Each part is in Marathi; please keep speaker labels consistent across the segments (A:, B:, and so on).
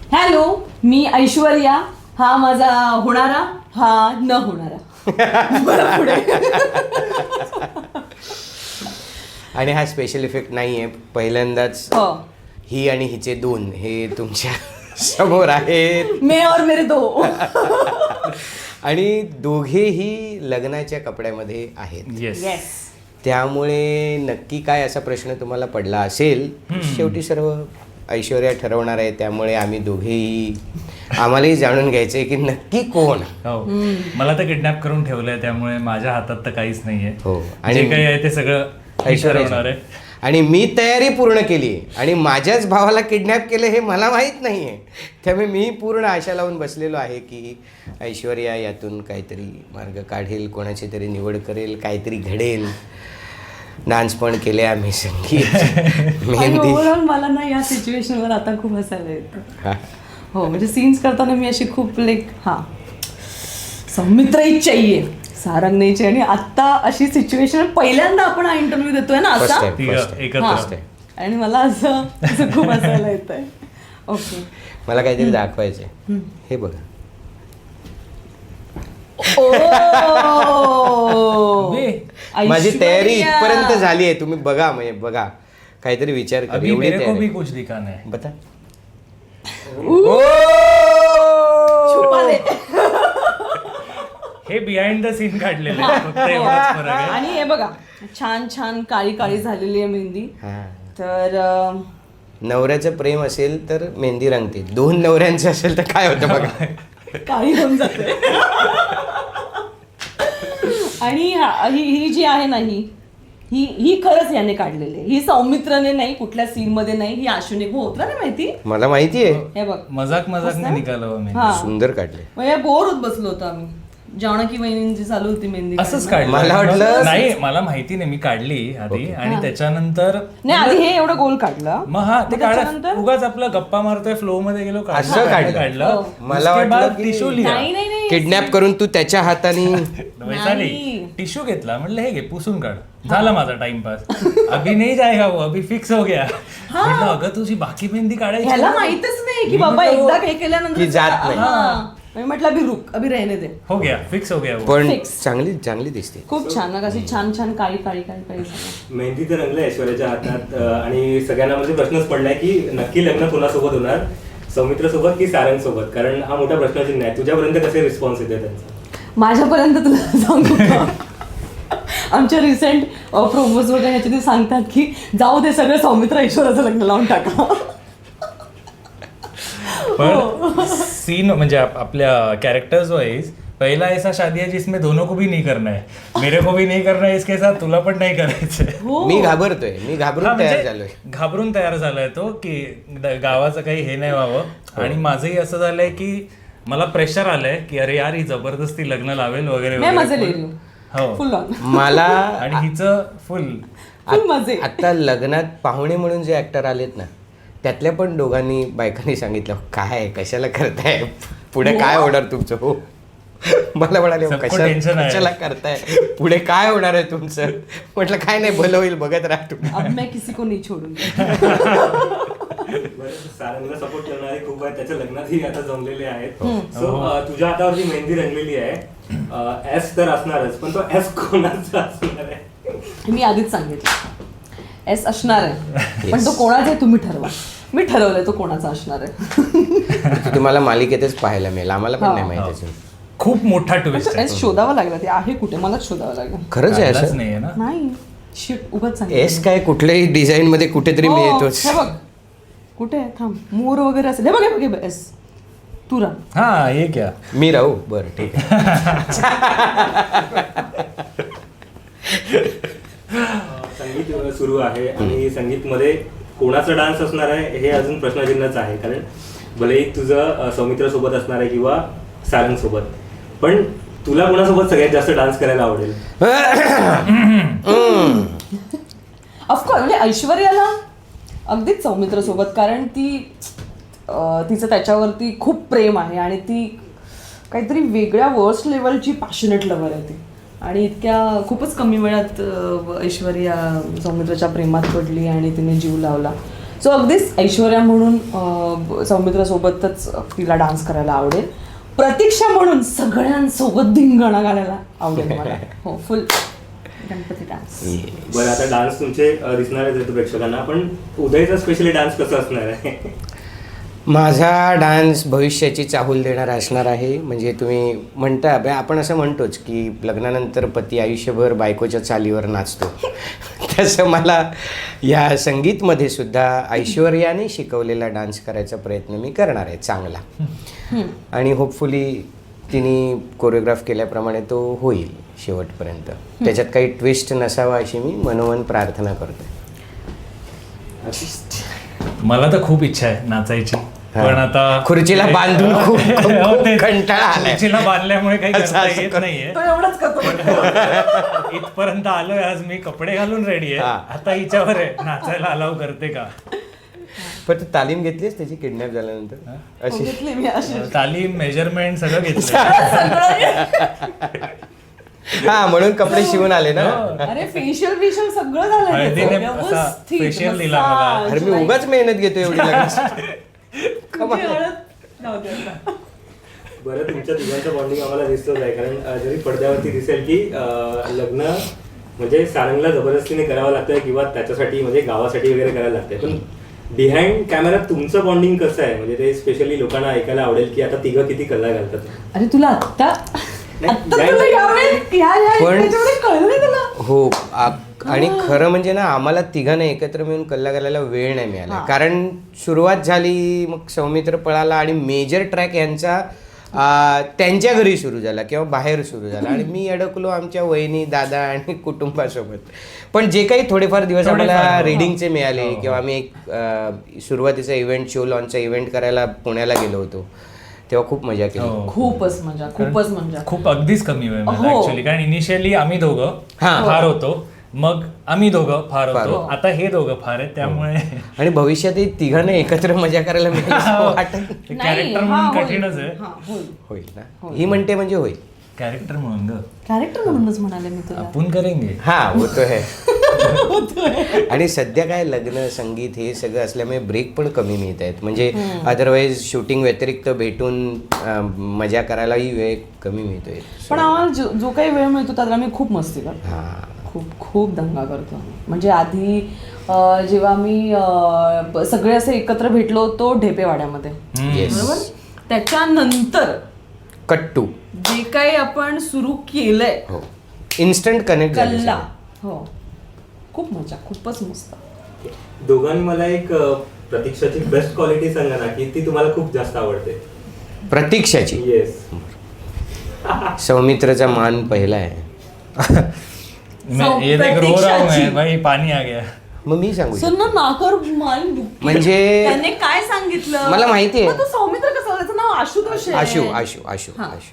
A: हॅलो, मी ऐश्वर्या, हा माझा होणारा, हा न होणारा. बरं, पुढे.
B: आणि हा स्पेशल इफेक्ट नाहीये, पहिल्यांदाच
A: हो.
B: ही आणि हिचे दोन हे तुमच्या समोर आहेत.
A: मे और मेरे दो.
B: आणि दोघेही लग्नाच्या कपड्यामध्ये आहेत.
A: येस.
B: त्यामुळे नक्की काय असा प्रश्न तुम्हाला पडला असेल, शेवटी सर्व ऐश्वर्या ठरवणार आहे. त्यामुळे आम्ही दोघेही आम्हालाही जाणून घ्यायचंय की नक्की कोण.
C: हो, मला तर किडनॅप करून ठेवलंय, त्यामुळे माझ्या हातात तर काहीच नाहीये.
B: हो,
C: आणि जे काही आहे ते सगळं ऐश्वर्या आहे.
B: आणि मी तयारी पूर्ण केली आणि माझ्याच भावाला किडनॅप केलं हे मला माहीत नाही आहे. त्यामुळे मी पूर्ण आशा लावून बसलेलो आहे की ऐश्वर्या यातून काहीतरी मार्ग काढेल, कोणाची तरी निवड करेल, काहीतरी घडेल. डान्स पण केले आम्ही, संगीत, मेहंदी.
A: ओव्हरऑल मला ना या सिच्युएशनवर आता खूप हसायला येतं. हो, म्हणजे सीन्स करताना मी अशी खूप सौमित्रही चाहिए, सारंग नाही चाहिए. आणि आता अशी सिच्युएशन पहिल्यांदा आपण हा इंटरव्ह्यू देतोय ना असा, आणि मला असं खूप हसायला येत आहे. ओके,
B: मला काहीतरी दाखवायचंय. हे बघा, माझी तयारी इथपर्यंत झाली आहे. तुम्ही बघा, म्हणजे बघा, काहीतरी विचार करा.
C: अभी मेरे को भी कुछ दिखाना है.
B: बता.
C: हे बिहाइंड द सीन काढलेलं आहे, फक्त एवढाच फरक आहे.
A: आणि हे बघा, छान छान काळी काळी झालेली आहे मेहंदी. तर
B: नवऱ्याचं प्रेम असेल तर मेहंदी रंगते, दोन नवऱ्यांचं असेल तर काय होतं बघा,
A: काळी होऊन जाते. आणि ही जी आहे ना, ही खरंच याने काढलेली. ही सौमित्रने नाही, कुठल्या सीन मध्ये नाही, ही आशुने होत ना माहिती.
B: मला माहिती आहे.
A: हे बघ,
C: मजाक ने निघालो मी.
B: सुंदर काढले.
A: म्हणजे बोर होत बसलो होतो आम्ही. जानकी वहिनींची चालू होती मेहंदी.
C: असंच काढलं.
B: मला वाटलं
C: नाही, मला माहिती नाही, मी काढली आधी आणि त्याच्यानंतर
A: नाही, आधी हे एवढं गोल काढलं.
C: मग हा ते काढलं, उगाच आपलं गप्पा मारतोय फ्लो मध्ये गेलो,
B: असं काढलं. मला वाटलं
C: टिश्यू
A: नाही,
B: किडनॅप करून तू त्याच्या हाताने
C: टिश्यू घेतला, म्हटलं हे घे पुसून काढ. झाला माझा टाइमपास. अभी नाही जाएगा वो, अभी फिक्स हो गया. म्हटलं अगं तुझी बाकी मेहंदी काढायची,
A: ह्याला माहितच नाही की बाबा एकदा हे केल्यानंतर
B: जात नाही.
A: म्हटलं अभि रुक, अभि रहने दे.
C: हो गया, फिक्स हो गया.
B: पण चांगली दिसते.
A: खूप छान ना, कशी छान छान काळी काळी काळी काळी.
D: मेहंदी तर रंगलं ऐश्वर्याच्या हातात. आणि सगळ्यांना म्हणजे प्रश्नच पडलाय की नक्की लग्न कोणासोबत होणार, सौमित्र सोबत की सारंग सोबत? कारण हा मोठा प्रश्नचिन्ह आहे. तुझ्यापर्यंत कसे रिस्पॉन्स येते त्यांचा?
A: माझ्यापर्यंत तुला सांगू का, आमच्या रिसेंट प्रोमोज वगैरे ह्याच्यात ते सांगतात की जाऊ दे, सगळं सौमित्र ऐश्वर्याचं लग्न लावून टाका.
C: पण सीन म्हणजे आपल्या कॅरेक्टर्स वाइज पहला ऐसा शादी है जिसमें दोनों को भी नहीं करना है, मेरे को भी नहीं करना है इसके साथ, तुला पण नाही करायचंय.
B: मी घाबरून तयार झालोय.
C: घाबरून तयार झालाय तो की गावाचं काही हे नाही व्हावं. आणि माझंही असं झालंय की मला प्रेशर आलंय की अरे यार, ही जबरदस्ती लग्न लावेल वगैरे
A: वगैरे. फुल
B: मला
C: आणि हिचं फुल
A: मजे.
B: आता लग्नात पाहुणे म्हणून जे ऍक्टर आलेत ना, त्यातल्या पण दोघांनी बायकांनी सांगितलं काय कशाला करताय, पुढे काय होणार तुमचं. हो, मला म्हणाले कशाला करताय, पुढे काय होणार आहे तुमचं. म्हटलं काय नाही, भलं होईल, बघत राहा तुम्ही.
A: अब मैं किसी को नहीं छोडूंगी.
D: सारंगला सपोर्ट करणारे खूप आहेत, त्याच्या लग्नातही आता जमलेले आहेत. सो तुझ्या हातावरती मेहंदी रंगलेली आहे. एस तर असणारच, पण तो एस कोणाचा असणार आहे?
A: मी आधीच सांगितलं एस असणार आहे, पण तो कोणाचा आहे तुम्ही ठरवा. मी ठरवलंय तो कोणाचा असणार आहे.
B: तुम्हाला मालिकेतच पाहायला मिळेल, आम्हाला पण नाही माहिती.
C: खूप मोठा ट्विस्ट आहे.
A: एस शोधावा लागला, ते आहे कुठे मलाच शोधावं लागलं.
B: खरंच आहे असं?
C: नाही ना,
A: नाही शिट, उगाच सांगितलं.
B: एस काय कुठल्याही डिझाईन मध्ये कुठेतरी मिळतोच.
A: हे बघ कुठे आहे, थांब, मोर वगैरे असेल. हे बघ हे बघ, एस तू राह.
C: हा हे क्या
B: मी राहू, बरं ठीक आहे.
D: संगीत सुरू आहे आणि संगीतमध्ये कोणाचा डान्स असणार आहे हे अजून प्रश्नचिन्हच आहे. कारण भलेही तुझं सौमित्र सोबत असणार आहे किंवा सारंग सोबत, पण तुला कोणासोबत सगळ्यात जास्त डान्स करायला आवडेल?
A: ऑफकोर्स म्हणजे ऐश्वर्याला अगदीच सौमित्र सोबत, कारण तिचं त्याच्यावरती खूप प्रेम आहे आणि ती काहीतरी वेगळ्या वर्स्ट लेवलची पॅशनेट लव्हर आहे ती. आणि इतक्या खूपच कमी वेळात ऐश्वर्या सौमित्राच्या प्रेमात पडली आणि तिने जीव लावला. सो अगदीच ऐश्वर्या म्हणून सौमित्रासोबतच तिला डान्स करायला आवडेल. प्रतीक्षा म्हणून सगळ्यांसोबत धिंगाणा घालायला आवडेल मला. हो, फुल गणपती डान्स.
D: बरं, आता डान्स तुमचे दिसणारच आहेत प्रेक्षकांना, पण उदयचा स्पेशली डान्स कसा असणार आहे?
B: माझा डान्स भविष्याची चाहूल देणारा असणार आहे. म्हणजे तुम्ही म्हणता, आपण असं म्हणतोच की लग्नानंतर पती आयुष्यभर बायकोच्या चालीवर नाचतो, तसं मला या संगीतमध्ये सुद्धा ऐश्वर्याने शिकवलेला डान्स करायचा प्रयत्न मी करणार आहे चांगला. आणि होपफुली तिने कोरिओग्राफ केल्याप्रमाणे तो होईल शेवटपर्यंत. त्याच्यात काही ट्विस्ट नसावा अशी मी मनोमन प्रार्थना करतो.
C: मला तर खूप इच्छा आहे नाचायची, पण आता
B: खुर्चीला बांधून खूप
C: हो, तेच.
B: कंटाळा आलाय.
C: खुर्चीला बांधल्यामुळे काही करता येत नाहीये.
A: तो एवढंच करतो.
C: इथपर्यंत आलोय आज मी, कपडे घालून रेडी आहे. आता हिच्यावर आहे नाचायला अलाव करते का.
B: पण तू तालीम घेतलीस त्याची किडनॅप झाल्यानंतर अशी?
A: घेतली मी अशी.
C: तालीम, मेजरमेंट सगळं घेतलं.
B: हा, म्हणून कपडे शिवून आले ना.
A: अरे फेशियल सगळं झालं
C: हळदीने
A: त्याचं.
C: असा
A: व्यवस्थित
C: facial दिला मला.
A: massage,
B: अरे मी उगाच मेहनत घेतो एवढी लगेच.
A: तुझी हळद जाऊ दे आता.
D: बरं, तुमच्या तिघांचं बॉन्डिंग आम्हाला दिसतच आहे, कारण जरी पडद्यावरती दिसेल की लग्न म्हणजे सारंगला जबरदस्तीने करावं लागतंय किंवा त्याच्यासाठी म्हणजे गावासाठी वगैरे करायला लागतंय, पण बिहाइंड कॅमेरा तुमचं बॉन्डिंग कसं आहे? म्हणजे ते स्पेशली लोकांना ऐकायला आवडेल की आता तिघं किती कल्ला घालतात.
A: अरे तुला आत्ता तुला
B: पण-
A: कळलं नाही तुला?
B: हो, आणि खरं म्हणजे ना आम्हाला तिघांना एकत्र मिळून कल्ला घालायला वेळ नाही मिळाला. कारण सुरुवात झाली, मग सौमित्र पळाला आणि मेजर ट्रॅक यांचा त्यांच्या घरी सुरू झाला किंवा बाहेर सुरू झाला आणि मी अडकलो आमच्या वहिनी, दादा आणि कुटुंबासोबत. पण जे काही थोडेफार दिवस आम्हाला रीडिंगचे मिळाले किंवा आम्ही एक सुरुवातीचा इव्हेंट, शो लॉन्चचा इव्हेंट करायला पुण्याला गेलो होतो, तेव्हा खूप मजा केली.
A: खूपच मजा.
C: खूप अगदीच कमी वेळ मिळाला
A: हो.
C: ऍक्च्युली, कारण इनिशियली आम्ही दोघं फार होतो, मग आम्ही दोघं फार होतो, आता हे दोघं फार आहेत, त्यामुळे
B: आणि भविष्यातही तिघांना एकत्र मजा करायला मिळेल असं वाटत
A: नाही,
C: कॅरेक्टर
A: हा,
C: म्हणून
A: होईल.
C: कठीणच आहे.
A: हा, होईल.
B: होईल ना. ही म्हणते म्हणजे होईल.
C: कॅरेक्टर म्हणून ग
A: कॅरेक्टर म्हणूनच म्हणाले मी तुला.
C: आपण करेंगे.
B: हा, होतो आहे. आणि सध्या काय लग्न, संगीत हे सगळं असल्यामुळे ब्रेक पण कमी मिळत आहेत. म्हणजे अदरवाईज शूटिंग व्यतिरिक्त भेटून मजा करायलाही वेळ कमी मिळतोय.
A: पण आम्हाला जो काही वेळ मिळतो त्याला मी खूप मस्ती करतो.
B: हा,
A: खूप दंगा करतो. म्हणजे आधी जेव्हा मी सगळे असे एकत्र भेटलो होतो ढेपेवाड्यामध्ये,
B: येस.
A: बरोबर, त्याच्यानंतर
B: कट्टू
A: जे काही आपण सुरू केलंय,
B: हो, इन्स्टंट कनेक्ट
A: कल्ला, हो, खूप मजा, खूपच मस्त.
D: दोघांनी मला एक प्रतीक्षाची बेस्ट क्वालिटी सांगा ना की ती तुम्हाला खूप जास्त आवडते.
B: प्रतीक्षाची.
D: येस.
B: सौमित्रचा मान पहिला आहे.
C: मैं ये देख रो रहा हूँ मैं भाई, पानी आ गया.
B: मग मी सांगू शकतो.
A: सुन ना, नाकर मान दुखते.
B: म्हणजे
A: त्याने काय सांगितलं
B: मला माहिती आहे.
A: मग तो सौमित्र कसं, त्याचं नाव आशुतोष आहे.
B: आशू आशू आशू
A: हा.
B: आशू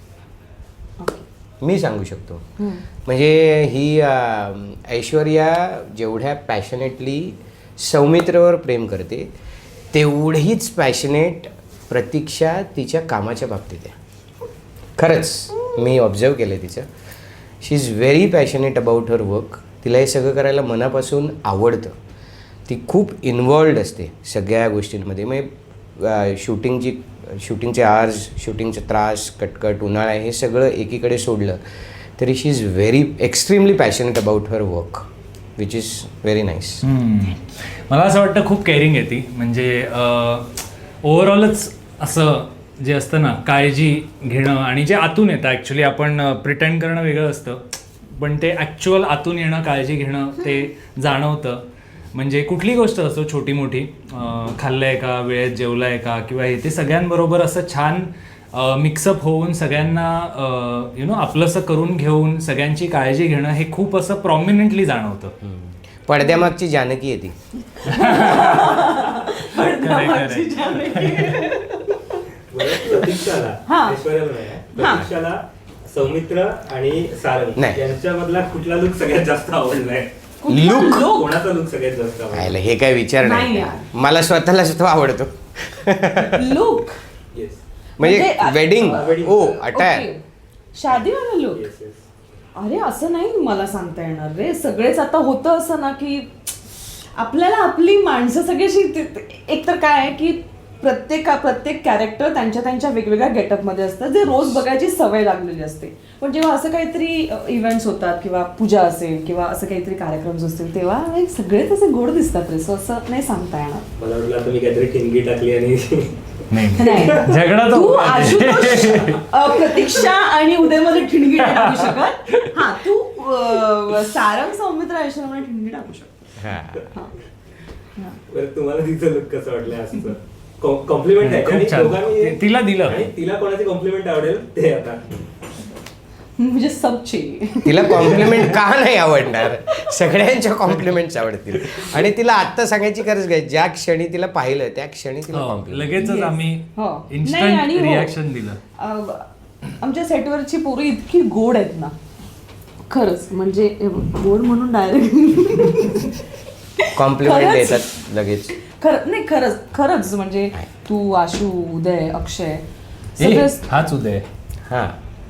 B: मी सांगू शकतो. म्हणजे ही ऐश्वर्या जेवढ्या पॅशनेटली सौमित्रवर प्रेम करते, तेवढीच पॅशनेट प्रतीक्षा तिच्या कामाच्या बाबतीत आहे. खरंच मी ऑब्झर्व केलं तिचं. She is very passionate about her work. तिला हे सगळं करायला मनापासून आवडतं. ती खूप इन्वॉल्ड असते सगळ्या गोष्टींमध्ये. म्हणजे शूटिंगचे आर्ज, शूटिंगचे त्रास, कटकट, उन्हाळा हे सगळं एकीकडे सोडलं तरी she is very extremely passionate about her work, which is very nice.
C: मला असं वाटतं खूप केअरिंग आहे ती. म्हणजे ओव्हरऑलच असं जे असतं ना, काळजी घेणं आणि जे आतून येतं. ॲक्च्युली आपण प्रिटेंड करणं वेगळं असतं, पण ते ॲक्च्युअल आतून येणं, काळजी घेणं ते जाणवतं. म्हणजे कुठली गोष्ट असो, छोटी मोठी, खाल्लंय का, वेळेत जेवलाय का, किंवा हे ते सगळ्यांबरोबर असं छान मिक्सअप होऊन सगळ्यांना आपलंसं करून घेऊन सगळ्यांची काळजी घेणं हे खूप असं प्रॉमिनंटली जाणवतं.
B: पडद्यामागची जानकी आहे ती.
D: प्रतीक्षाला, ऐश्वर्याला नाही, प्रतीक्षाला सौमित्र आणि सारंग
B: नाही.
D: यांच्यामधला कुठला लुक सगळ्यात जास्त आवडलाय?
B: लुक
D: कोणाचा लुक सगळ्यात जास्त आवडला?
B: हे काय विचार
A: नाही
B: नाही.
A: यार.
B: मला स्वतःलाच तो आवडतो.
A: Look
D: yes.
B: म्हणजे वेडिंग,
D: wedding.
B: Oh attire.
A: शादीवाला लुक.
D: Yes yes.
A: अरे असं नाही मला सांगता येणार रे. सगळेच आता होतं असं ना की आपल्याला आपली माणसं सगळी अशी एक तर काय आहे की प्रत्येक कॅरेक्टर त्यांच्या त्यांच्या वेगवेगळ्या गेटअपमध्ये असतं जे रोज बघायची सवय लागलेली असते. पण जेव्हा असं काहीतरी इव्हेंट्स होतात किंवा पूजा असेल किंवा असं काहीतरी कार्यक्रम असतील तेव्हा सगळेच असे गोड दिसतात रे. सो असं नाही सांगता येणार.
D: मला वाटलं आता मी काहीतरी ठिणगी टाकली आणि
C: नाही झगडा
A: तू
C: तो
A: आशुतोष, प्रतीक्षा आणि उदयमध्ये ठिणगी नाही टाकू शकत. हा तू सारंग, सौमित्र, ऐश्वर्यामध्ये ठिणगी टाकू शकतो.
D: बरं, तुम्हाला तिचं लुक कसं वाटलं असं कॉम्प्लिमेंट आहे
C: खूप
D: आणि
C: छान.
D: दोघांनी
C: तिला दिलं.
D: आणि तिला कोणाची कॉम्प्लिमेंट आवडेल ते आता
A: म्हणजे सबची
B: तिला कॉम्प्लिमेंट का नाही आवडणार? सगळ्यांच्या कॉम्प्लिमेंट्स आवडतील. आणि तिला आत्ता सांगायची गरज काय, ज्या क्षणी तिला पाहिलं त्या क्षणी तिला
C: हो,
B: कॉम्प्लिमेंट.
C: लगेचच आम्ही
A: हो. नाही,
C: इन्स्टंट
A: आणि हो.
C: रिॲक्शन दिलं.
A: आमच्या सेटवरची पोरं इतकी गोड आहेत ना खरंच. म्हणजे गोड म्हणून डायरेक्ट
B: कॉम्प्लिमेंट
A: खरंच.
B: देतात लगेच.
A: खरंच म्हणजे तू, आशू, उदय, अक्षय
C: ए,
A: सगळेच.
C: हाच उदय.
B: हा,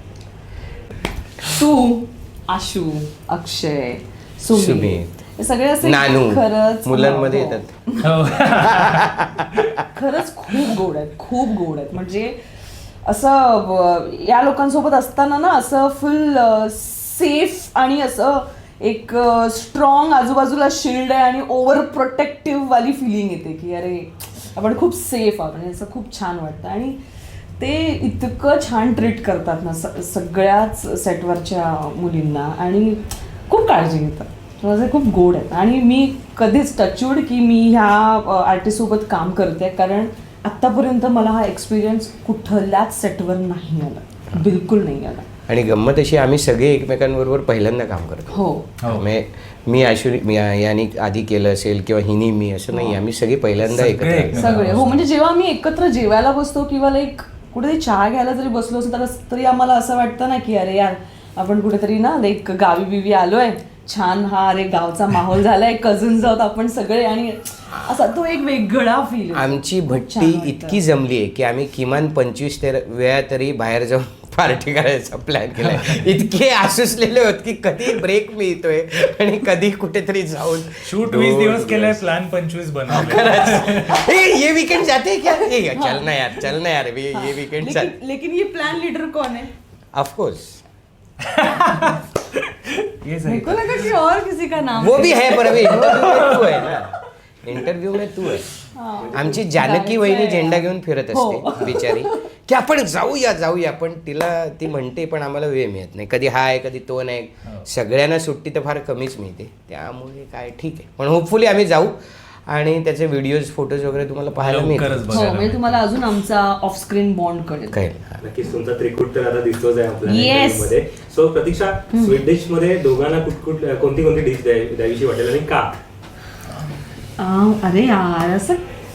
A: तू, आशू, अक्षय, सुमित
B: सुमित,
A: हे सगळे असे
B: नानू
A: खरंच
B: मुलांमध्ये
A: हो.
B: येतात.
C: हो.
A: खरंच खूप गोड आहेत. म्हणजे असं या लोकांसोबत असताना ना असं फुल सेफ आणि असं एक स्ट्रॉंग आजूबाजूला शिल्ड आहे आणि ओव्हर प्रोटेक्टिव्ह वाली फिलिंग येते की अरे आपण खूप सेफ आहोत आणि असं खूप छान वाटतं. आणि ते इतकं छान ट्रीट करतात ना सगळ्याच सेटवरच्या मुलींना आणि खूप काळजी घेतात. माझे खूप गोड आहेत. आणि मी कधीच टचवूड की मी ह्या आर्टिस्टसोबत काम करते, कारण आत्तापर्यंत मला हा एक्सपिरियन्स कुठल्याच सेटवर नाही आला, बिलकुल नाही आला.
B: आणि गंमत अशी, आम्ही सगळे एकमेकांबरोबर पहिल्यांदा काम करतो.
A: हो,
B: मी याने आधी केलं असेल किंवा हिनी मी, असं नाही. आम्ही सगळे पहिल्यांदा
C: सगळे
B: एकत्र
C: एकमेकांना.
A: सगळे. हो, म्हणजे जेव्हा आम्ही एकत्र जेवायला बसतो किंवा लाईक कुठेतरी चहा घ्यायला जरी बसलो असतो तरी आम्हाला असं वाटतं ना की अरे यार आपण कुठेतरी ना लाईक गावी बिवी आलोय, छान हा अरे गावचा माहोल झालाय, कझन्स आहोत आपण सगळे आणि असा तो एक वेगळा फील.
B: आमची भट्टी इतकी जमली आहे की आम्ही किमान 25 वेळा तरी बाहेर जाऊन पार्टी करायचा प्लॅन केलाय. इतके आसुसलेले होत की कधी ब्रेक मिळतोय आणि कधी कुठेतरी जाऊन
C: शूट 20 दिवस केलंय, प्लॅन 25 बनवलं.
B: ये वीकेंड जाते क्या? चल ना यार ये वीकेंड चल.
A: लेकिन ये प्लान लीडर कौन है?
B: ऑफकोर्स
C: ये सही.
A: मेरे को लगा कि और किसी का नाम
B: वो भी है, पर अभी तू है ना, इंटरव्ह्यू में तू है. आमची जानकी वहिनी झेंडा घेऊन फिरत असते बिचारी की आपण जाऊया पण ती म्हणते पण आम्हाला वेळ मिळत नाही. कधी हा आहे कधी तो नाही. सगळ्यांना सुट्टी तर फार कमीच मिळते, त्यामुळे काय ठीक आहे. पण होपफुली आम्ही जाऊ आणि त्याचे व्हिडिओज फोटोज वगैरे तुम्हाला पाहायला
C: लवकरच
B: मिळतील.
C: बघायला.
A: म्हणजे तुम्हाला अजून आमचा ऑफ स्क्रीन बॉन्ड कळेल.
B: कळेल.
D: नक्कीच तुमचा त्रिकूट तर आता दिसतोच आहे आपल्या
A: Yes.
D: interview मध्ये. सो प्रतीक्षा, स्वीट डिश मध्ये दोघांना कोणती डिश द्यावीशी वाटेल आणि का?
A: अरे यार असं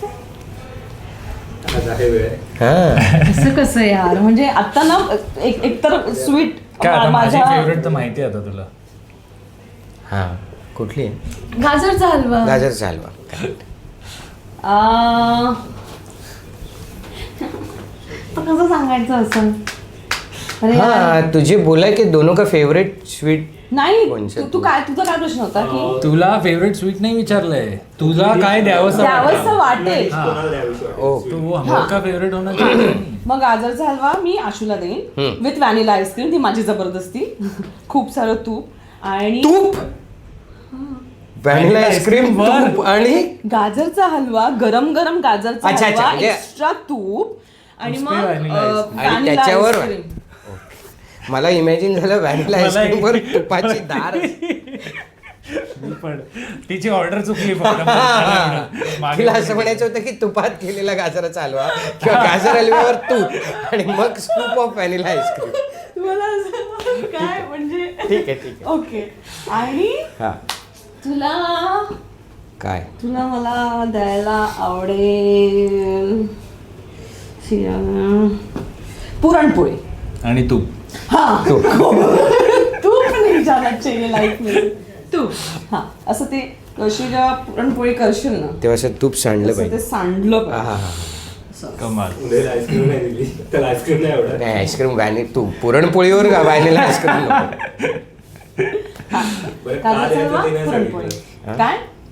D: आज आहे वेळ.
A: असं कसं यार, म्हणजे आता ना एकतर स्वीट
C: काय आता माझी
A: माझ्या
C: फेवरेट तर माहिती आहे आता तुला.
B: हा, कुठली आहे?
A: गाजरचा हलवा.
B: गाजरचा हलवा.
A: तर कसं सांगायचं असं? अरे यार.
B: हाँ, तुझे बोला की दोनों का फेवरेट स्वीट
A: नाही
B: कोणचं
A: तू काय तुझा काय प्रश्न होता की
C: तुला फेवरेट स्वीट नाही विचारलंय, तुला काय द्यावंसं
A: द्यावंसं
C: वाटतं?
A: वाटेल.
D: कोणाला द्यावीशी
B: ओ.
D: वाटेल?
C: तू हमका फेवरेट होणार चाहिए.
A: मग गाजरचा हलवा मी आशूला देईन विथ व्हॅनिला आईस्क्रीम, ती माझी जबरदस्ती. खूप सारं तूप आणि
B: तूप, व्हॅनिला आईस्क्रीम,
C: वर.
B: तूप आणि
A: गाजरचा हलवा, गरम गरम गाजरचा
B: अच्छा,
A: हलवा,
B: म्हणजे-
A: एक्स्ट्रा तूप आणि
C: नुसते
A: मग
C: vanilla ice.
B: आणि
A: vanilla
B: त्याच्यावर
A: ice cream.
B: मला इमॅजिन झालं व्हॅनिला
C: मला
B: आईस्क्रीम वर तुपाची धार.
C: मी पण तिची ऑर्डर चुकली फक्त. मागे
B: तिला असं म्हणायचं होतं की तुपात केलेला गाजराचा हलवा किंवा गाजर हलव्यावर तूप आणि मग स्कूप ऑफ व्हॅनिला आईस्क्रीम.
A: तुम्हाला असं काय म्हणजे
B: ठीक आहे.
A: ओके. आणि
B: हा, काय
A: तुला मला द्यायला आवडेल पुरणपोळी.
C: आणि तू
A: हाँ
B: तूप.
A: तूप नहीं जाना चाहिए लाइफ में. तूप. हाँ असं ते कशी जेव्हा पुरणपोळी करशील ना
B: तेव्हा असं तूप सांडलं
A: तसं ते
B: पाहिजे.
A: सांडलं
B: हा
A: पाहिजे.
B: हा हा.
A: असं.
C: कमाल.
D: उद्याला आईस्क्रीम नाही दिली, त्याला आईस्क्रीम नाही आवडत.
B: नाही, आईस्क्रीम तू पुरणपोळीवर व्हॅनिला आईस्क्रीम नको.
A: हा.
D: बरं, का
A: गाजरचा
D: द्यायचं
A: हलवा,
D: ते नाही
A: पुरणपोळी.
D: सांगितलं.
A: काय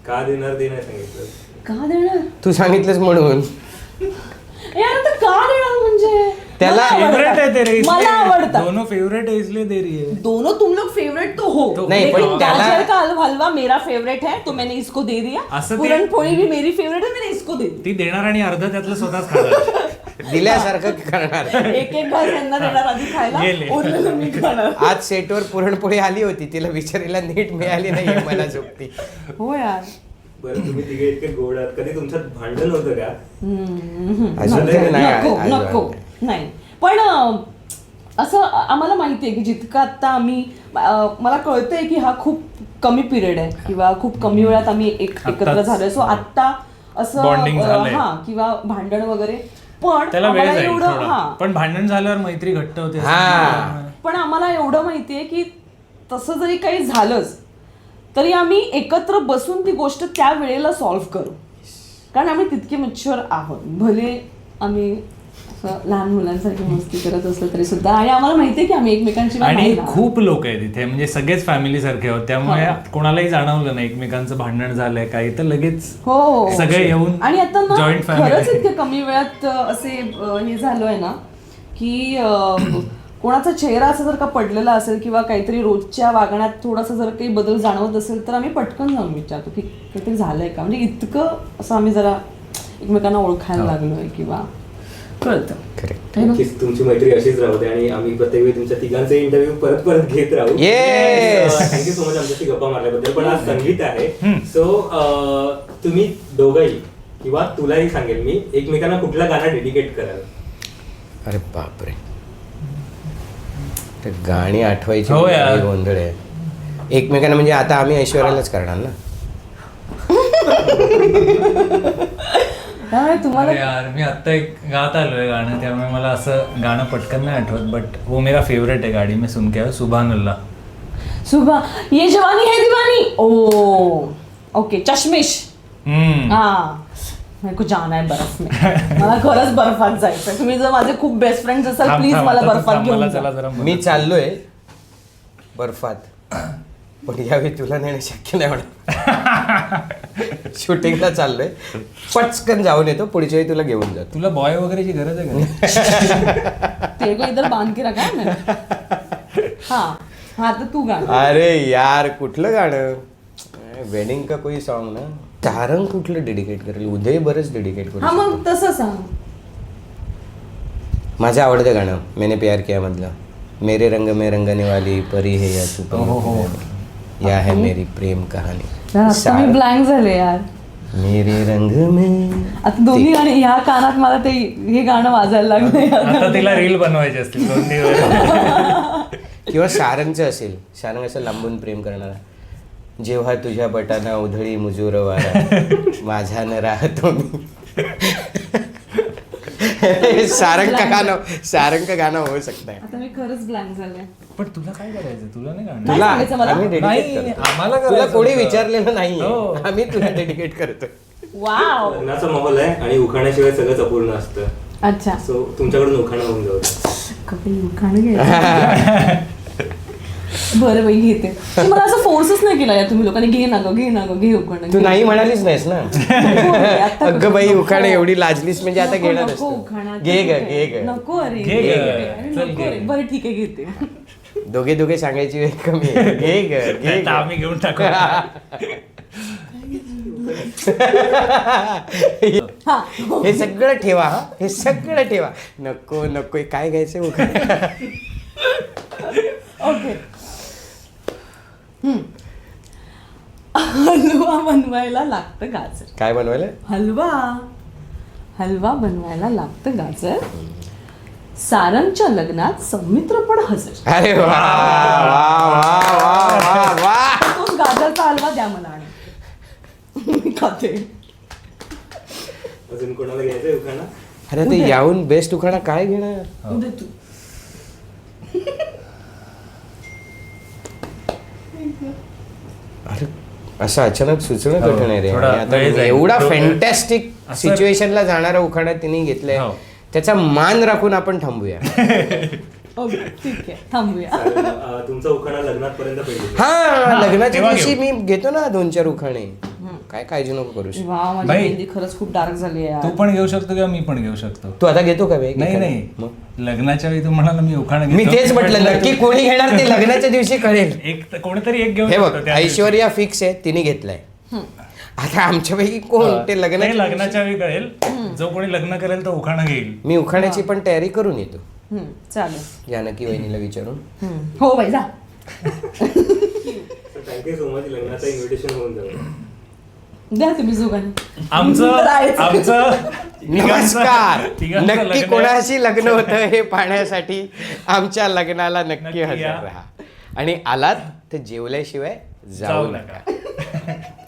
D: का देणार ते नाही सांगितलं.
A: का देणार
B: तू सांगितलंस म्हणून.
A: यार आता का देणार म्हणजे
B: त्याला
A: मला
C: फेवरेट
A: आवडतात.
C: है तेरे इसलिए
A: मला आवडतात
C: दोनों फेवरेट है इसलिए दे रही है.
A: दोनों तुम लोग फेवरेट तो हो
B: नहीं,
A: लेकिन
B: पण त्याला-
A: गाजर का हलवा मेरा फेवरेट है तो मैंने इसको दे दिया.
C: असं ते-
A: पुरणपोळी भी मेरी फेवरेट है मैंने इसको दे दी.
C: ती देणार आणि अर्ध त्यातलं स्वतःच खाणार.
B: दिल्यासारखं करणार.
A: एक एक घास यांना देणार आधी खायला
C: गेले.
A: उरलेलं मी खाणार.
B: आज सेटवर पुरणपोळी आली होती, तिला विचारायला नीट मिळाली नाहीये मला झोपती.
A: हो यार.
D: बरं तुम्ही तिघे इतके गोड आहात, कधी तुमच्यात भांडण होतं का?
B: अजून तरी नाही
A: नको
B: अजिबात
A: नको
B: नाही.
A: नाही पण असं आम्हाला माहिती आहे की जितकं आता आम्ही मला कळतंय की हा खूप कमी पिरियड आहे किंवा खूप कमी वेळात आम्ही एकत्र
C: आत्ताच
A: झालोय. सो आत्ता असं
C: Bonding झालंय.
A: हा किंवा भांडण वगैरे पण
C: त्याला वेळ
A: आम्हाला
C: जाईल
A: एवढं
C: थोडा.
A: हा
C: पण भांडण झाल्यावर मैत्री घट्ट होते.
B: हा.
A: पण आम्हाला एवढं माहितीये की तसं जरी काही झालंच तरी आम्ही एकत्र बसून ती गोष्ट त्या वेळेला सॉल्व्ह करू, कारण आम्ही तितके मॅच्युअर आहोत. भले आम्ही असं लहान मुलांसारखी मस्ती करत असलो तरी सुद्धा, आणि आम्हाला माहितीये की आम्ही एकमेकांची
C: आणि
A: नाही राहणार.
C: खूप लोक आहेत इथे, म्हणजे सगळेच फॅमिली सारखे आहोत, त्यामुळे कोणालाही जाणवलं नाही एकमेकांचं भांडण झालंय काही तर लगेच
A: हो
C: सगळे येऊन
A: आणि आता ना
C: जॉईंट
A: खरंच
C: फॅमिली.
A: इतक्या कमी वेळात असे हे झालोय ना की कोणाचा चेहरा असा जर का पडलेला असेल किंवा काहीतरी रोजच्या वागण्यात थोडासा जर काही बदल जाणवत असेल तर आम्ही पटकन जाऊन विचारतो की काहीतरी झालंय का, म्हणजे इतकं असं आम्ही जरा एकमेकांना ओळखायला लागलोय किंवा कळतं.
B: Correct.
A: है ना?
D: नक्कीच तुमची मैत्री अशीच राहू दे आणि आम्ही प्रत्येक वेळी तुमच्या तिघांचे इंटरव्ह्यू परत परत घेत राहू.
B: Yes!
D: थँक्यू सो मच आमच्याशी गप्पा मारल्याबद्दल. पण आज संगीत आहे, सो तुम्ही दोघंही किंवा तुलाही सांगेल मी, एकमेकांना कुठला गाणं डेडिकेट कराल?
B: अरे बापरे, ते गाणी आठवायची
C: हो यार.
B: लई गोंधळ आहे. एकमेकांना म्हणजे आता आम्ही ऐश्वर्यालाच करणार ना.
A: त्यामुळे तुम्हाला
C: अरे यार मी आत्ता एक गात आलोय गाणं, त्यामुळे मला असं गाणं पटकन नाही आठवत, बट वो मेरा फेवरेट है गाडी में सुन के सुभान अल्लाह.
A: सुबह ये जवानी है दीवानी. ओ ओके चष्मिश. हाँ मेरे को जाना है बर्फ में. मला खरंच बर्फात जायचंय. तुम्ही जर माझे खूप बेस्ट फ्रेंड्स असाल प्लीज मला बर्फात घेऊन जा.
B: मी चाललोय बर्फात, पण यावेळी तुला नेणं शक्य नाही होणार. शूटिंगला चाललोय, पटकन जाऊन येतो, पुढच्या वेळी तुला घेऊन जातो.
C: तुला बॉय वगैरेची गरज आहे का?
A: तेरे को इधर बांध के रखा है मैंने. हाँ हाँ तर तू गाणं.
B: अरे यार कुठलं गाणं, वेडिंग का कोई सॉन्ग ना. तारंग कुठलं डेडिकेट करेल, उदय बरंच डेडिकेट
A: हा
B: करू.
A: मग तसं सांग.
B: माझं आवडतं गाणं मैंने प्यार किया मधलं, मेरे रंग में रंगने वाली परी है या तू या है मेरी प्रेम कहाणी.
A: यार आता मी ब्लँक झाले यार.
B: मेरे रंग में
A: आता दोन्ही गाणी ह्या कानात मला ते हे गाणं वाजायला लागलं.
C: आता तिला रील बनवायची असतील 2 दिवस.
B: किंवा सारंगचं असेल, सारंग असं लांबून प्रेम करणारा. जेव्हा तुझ्या बटाना उधळी मुजूर वारा, माझ्यानं राहतो मी. सारंग का गाणं होऊ शकतं.
A: आता मी खरंच ब्लँक झाले.
C: पण तुला काय करायचं, तुला नाही गाणं.
A: नाही सांगायचं मला.
B: आम्ही dedicate
C: नाही,
B: करतो.
C: आम्हाला
B: तुला
C: करायचं
B: कोणी
C: होतं.
B: विचारलेलं नाहीये,
C: हो.
B: आम्ही तुला डेडिकेट करतो.
A: वाव.
D: लग्नाचा माहोल आहे आणि उखाण्याशिवाय सगळंच अपूर्ण असतं.
A: अच्छा
D: सो तुमच्याकडून उखाणं होऊन जाऊ दे.
A: कपिल खाणं घ्यायचं. बरं बाई घेते. पण मला असं फोर्सच नाही केला यार तुम्ही लोकांनी. घे ना गं घे उखाणं.
B: तू नाही म्हणालीच नाहीस ना.
A: आता
B: अगं बाई
A: नको.
B: उखाणे एवढी लाजलीस म्हणजे आता
A: नको,
B: घेणार
A: नको
B: असतो.
A: उखाणा.
B: घे ग.
A: नको अरे
C: घे ग.
A: अरे,
C: चल
A: नको
C: घे.
A: रे. बरं ठीक आहे घेते.
B: दोघे सांगायची वेळ कमी आहे. घे ग.
C: आता आम्ही घेऊन टाकू.
A: हा
B: हे सगळं ठेवा, हा हे सगळं ठेवा. नको हे काय घ्यायचं उखाणे.
A: ओके. हलवा बनवायला लागतं गाजर.
B: काय बनवायला?
A: हलवा बनवायला लागतं गाजर. सारंगच्या लग्नात सौमित्र पण हजर.
B: अरे वा वा वा वा वा.
A: तो गाजरचा हलवा द्या मला आणि मी खाते.
D: अजून कोणाला घ्यायचंय उखाणं?
B: अरे ते याहून बेस्ट उखाणा काय घेणार.
A: उद्या तू.
B: अरे असं अचानक सुचणं
C: हो,
B: कठीण आहे रे.
C: थोडा
B: आणि आता
C: वेळ जाईल.
B: एवढा
C: डोकं-
B: फॅन्टॅस्टिक
C: असं-
B: सिच्युएशनला जाणारा उखाणा तिने घेतलाय,
C: हो.
B: त्याचा मान राखून आपण थांबूया.
A: ओके ठीक आहे थांबूया.
D: तुमचा उखाणा लग्नात पर्यंत पाहिजे.
B: हा लग्नाच्या
C: तेव्हा
B: दिवशी
C: घेऊ.
B: मी घेतो ना 2-4 उखाणे. काय काळजी नको करू शकतो.
A: वा माझी
C: बाई.
A: मेहंदी खरंच खूप डार्क झाली आहे
C: तू
A: यार.
C: पण घेऊ शकतो किंवा मी पण घेऊ शकतो.
B: तू आता घेतो का वेग?
C: नाही नाही लग्नाच्या वेळी तू म्हणाला मी उखाणा
B: मी
C: घेतो.
B: तेच म्हटलं नक्की कोणी घेणार ते लग्नाच्या दिवशी कळेल.
C: कोणीतरी एक घेऊ
B: हे
C: शकतो
B: बघ
C: त्या दिवशी.
B: ऐश्वर्या फिक्स आहे, तिने घेतलाय. आता आमच्यापैकी कोण ते
C: ते
B: लग्नाच्या
C: लग्नाच्या वेळी कळेल. जो कोणी लग्न करेल तो उखाणा घेईल.
B: मी उखाण्याची पण तयारी करून येतो
A: चालेल.
B: जानकी वहिनीला विचारून.
A: हो बाई जा.
D: Thank you so much. लग्नाचं इन्व्हिटेशन होऊन जाईल.
A: द्या तुम्ही जुगान.
C: आमचं
B: नमस्कार.
C: तिघांचं
B: नक्की
C: लग्न आहे.
B: कोणाशी लग्न होतं हे पाहण्यासाठी आमच्या लग्नाला नक्की
C: नक्की
B: हजर
C: या.
B: राहा आणि आलात तर जेवल्याशिवाय जाऊ
C: जाऊ
B: नका.
C: नका.